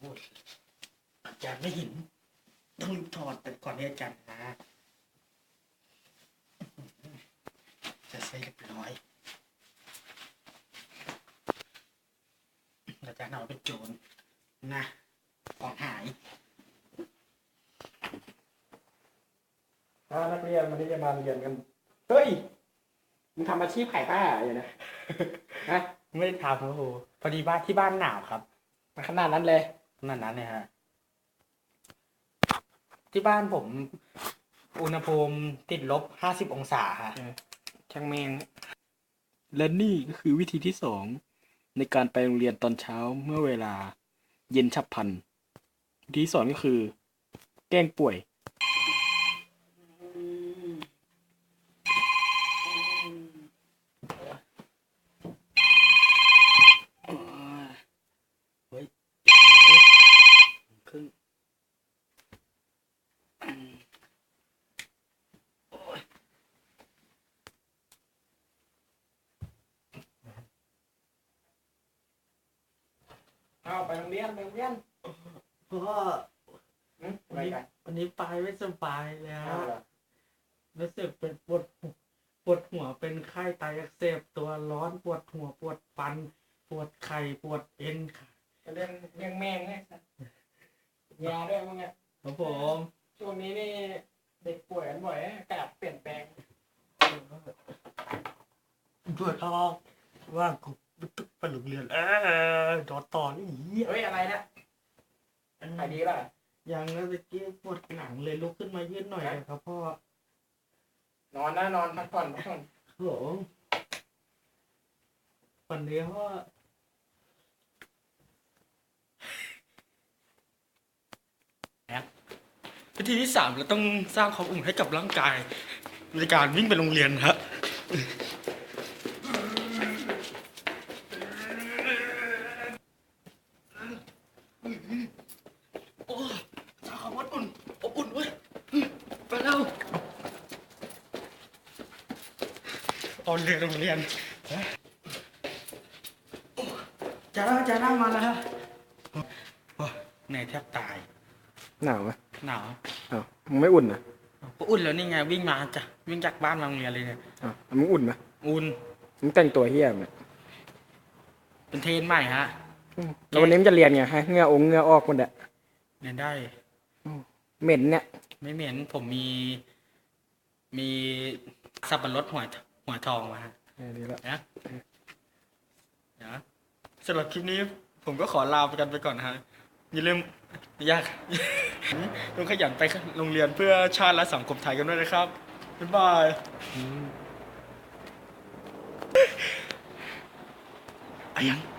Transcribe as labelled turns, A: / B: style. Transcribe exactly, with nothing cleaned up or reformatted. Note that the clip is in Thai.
A: พูดอาจารย์ไม่เห็นต้องรีบถอดแต่ก่อนที่อาจารย์มาจะเสร็จเรียบร้อยอาจารย์เอาเป็นโจรนะของหาย
B: ถ้านักเรียนวันนี้จะมาเรียนกันเฮ้ยมึงทำอาชีพขายผ้าอยู่นะฮะ
A: ไม่ได้ทำครับครูพอดีบ้านที่บ้านหนาวครับ
B: มาขนาดนั้นเลย
A: ขนาดนั้นเลยฮะที่บ้านผมอุณหภูมิติดลบห้าสิบองศาฮะ
B: ช่างแมงและนี่ก็คือวิธีที่สองในการไปโรงเรียนตอนเช้าเมื่อเวลาเย็นฉับพลันวิธีที่สองก็คือ แกล้งป่วย
A: เฮ้ยขึ้น
B: เอาไปโรงเรียนไปโรงเรียน
A: พ่อวันนี้วันนี้ไปไม่สบายแล้วรู้สึกเป็นปวดปวดหัวเป็นไข้ไตอักเสบตัวร้อนปวดหัวปวดฟันปวดไข่ปวดเอ็นค่ะ
B: เรื่องเรื่องแม่งไงยาด้วยมึงอ่ะ
A: ครับผม
B: ช่วงนี้นี่เด็กป่วยกันบ่อยอากาศเปลี่ยนแปลง
A: ปวดท้องว่ากูไปโรงเรียนเออดอต่อนี่
B: เฮ้ยอะไรนะหายดีป่ะ
A: ยังแล้วตะกี้ปวดหลังเลยลุกขึ้นมายืดหน่อยครับพ่อน
B: อนนะนอนพักผ่อนพักผ่อน
A: โหวันนี้พ่อวิธีที่สามเราต้องสร้างความอุ่นให้กับร่างกายในการวิ่งไปโรงเรียนฮะโอ้สร้างความอบอุ่นอบอุ่นเว้ยไปแล้วตอนเรียนโรงเรียนจะได้จะได้มาแล้วฮะเหนื่อยแทบตาย
B: หนาวไหม
A: หนาว
B: อ้าวมึงไม่อุ่นนะ
A: อุ่นแล้วนี่ไงวิ่งมาจ้ะวิ่งจากบ้านมาโรงเรียนเลยเนี่ย
B: อ้าวมึงอุ่นไหม
A: อุ่น
B: มึงแต่งตัวเฮี้ยไหม
A: เป็นเทรนใหม่ฮะ
B: แล้ววันนี้มึงจะเรียนไงฮะเหงื่อองเหงื่อออกหมดอะ
A: เรียนได้
B: เหม็นเนี่ย
A: ไม่เหม็นผมมีมีสับปะรดหัวหัวทองมาฮะ
B: ดีแล้ว
A: นะนะสำหรับคลิปนี้ผมก็ขอลาไปกันไปก่อนนะฮะอย่าลืมยากต้องขยันไปโรงเรียนเพื่อชาติและสังคมไทยกันด้วยนะครับบ๊ายบายอะยัง